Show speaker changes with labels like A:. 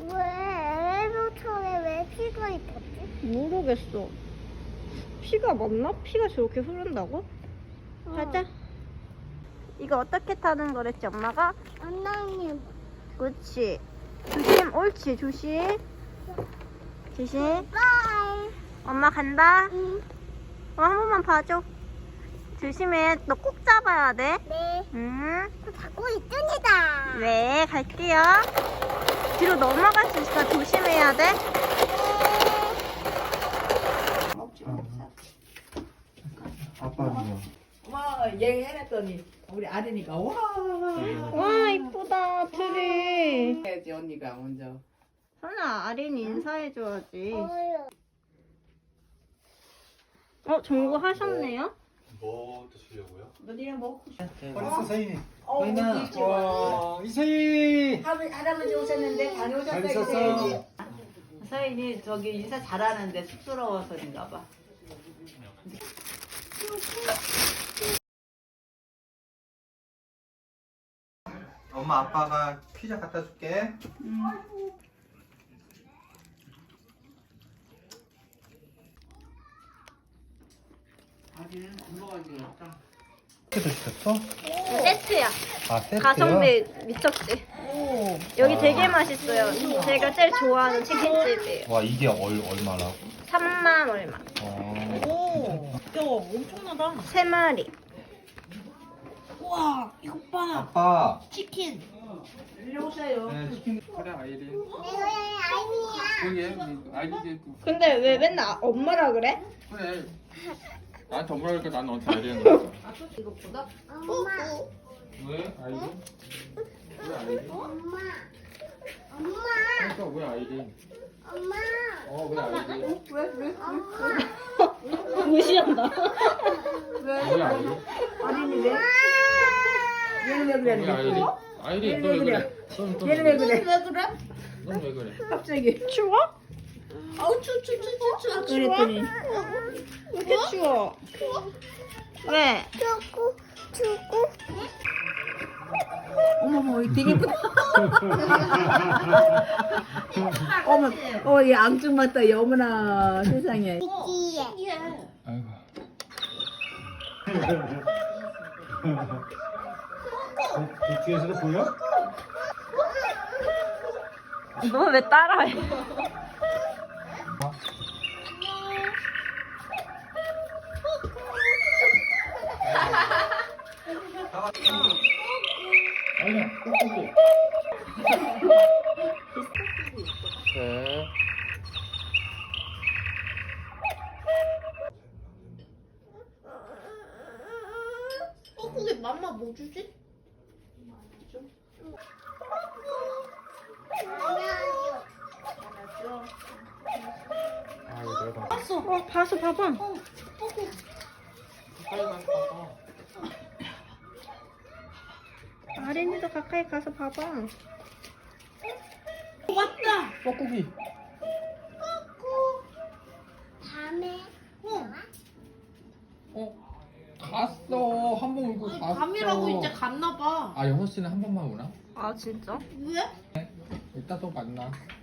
A: 왜 엘리베이터에 왜 피가 있었지?
B: 모르겠어. 피가 맞나? 피가 저렇게 흐른다고? 가자. 이거 어떻게 타는 거랬지 엄마가?
A: 언니
B: 그렇지. 조심. 옳지. 조심. 조심.
A: 바이.
B: 엄마 간다.
A: 응.
B: 한 번만 봐줘. 조심해. 너 꼭 잡아야 돼.
A: 네.
B: 응.
A: 잡고 있습니다.
B: 네, 갈게요. 뒤로 넘어갈 수 있어. 조심해야 돼.
C: 아빠는요?
D: 와, 얘기해놨더니 우리 아들이니까 와
B: 와, 이쁘다. 트리.
D: 해야지 언니가 먼저.
B: 선아, 아린이 인사해줘야지.
A: 어요.
B: 정보 하셨네요?
C: 뭐 드시려고요?
D: 너네랑 먹고 싶어.
C: 어딨어 서인이?
D: 서인아.
C: 와 이서희!
D: 할아버지 오셨는데
C: 잘
D: 다녀오셨어요.
C: 있었어?
D: 서인이 저기 인사 잘하는데 쑥스러워서인가 봐.
C: 엄마 아빠가 피자 갖다 줄게.
D: 아들은 굶어가지고 없다.
C: 어떻게 시켰어?
B: 세트야.
C: 아 세트요?
B: 가성비 미쳤지. 여기 되게 맛있어요. 제가 제일 좋아하는 치킨집이에요.
C: 와 이게 얼마라고?
B: 3만 얼마.
D: 오, 야 엄청나다.
B: 3마리.
D: 우와, 이거 봐.
C: 아빠.
D: 치킨. 일로 오세요.
E: 네, 치킨 그래 아이린.
A: 아니야.
E: 그게 아이린
B: 근데 왜 맨날 엄마라 그래?
E: 그래. 나한테 뭐라 그러니까 난 너한테 아이린 거야.
D: 이것보다?
A: 엄마.
E: 왜 아이린? 왜 아이린?
A: 엄마. 엄마.
E: 그러니까 왜 아이린?
A: 엄마.
E: 왜 아이린?
A: 엄마.
B: 무시한다.
E: 왜 아이린?
D: 아린이 왜? 얘는 왜 그래?
E: 왜 아이린? 아이린 너 왜 그래?
D: 얘는 왜 그래?
E: 넌 왜 그래?
D: 갑자기.
B: 추워?
D: 아우 추.
B: 그랬더니 왜 이렇게 추워? 왜?
A: 주고.
D: 어머머, 이거 되게 예쁘다. 어머, 얘 앙증 맞다. 어머나 세상에.
A: 이기에.
E: 아이고.
C: 뒤에서도 보여?
B: 너 왜 따라해?
E: 아이린 꾹꾹꾹. 네.
D: 근데 맘마 뭐 주지?
E: 아이고 내가
B: 봐서 봐봐.
E: 가까이 가서 봐봐.
B: 아린이도 가까이 가서 봐봐.
D: 왔다.
E: 뻐꾸기.
A: 밤에.
E: 갔어. 한 번 울고 갔어.
F: 밤이라고 이제 갔나 봐.
E: 아 6시는 한 번만 오나?
B: 아 진짜?
F: 왜?
E: 이따 또 만나.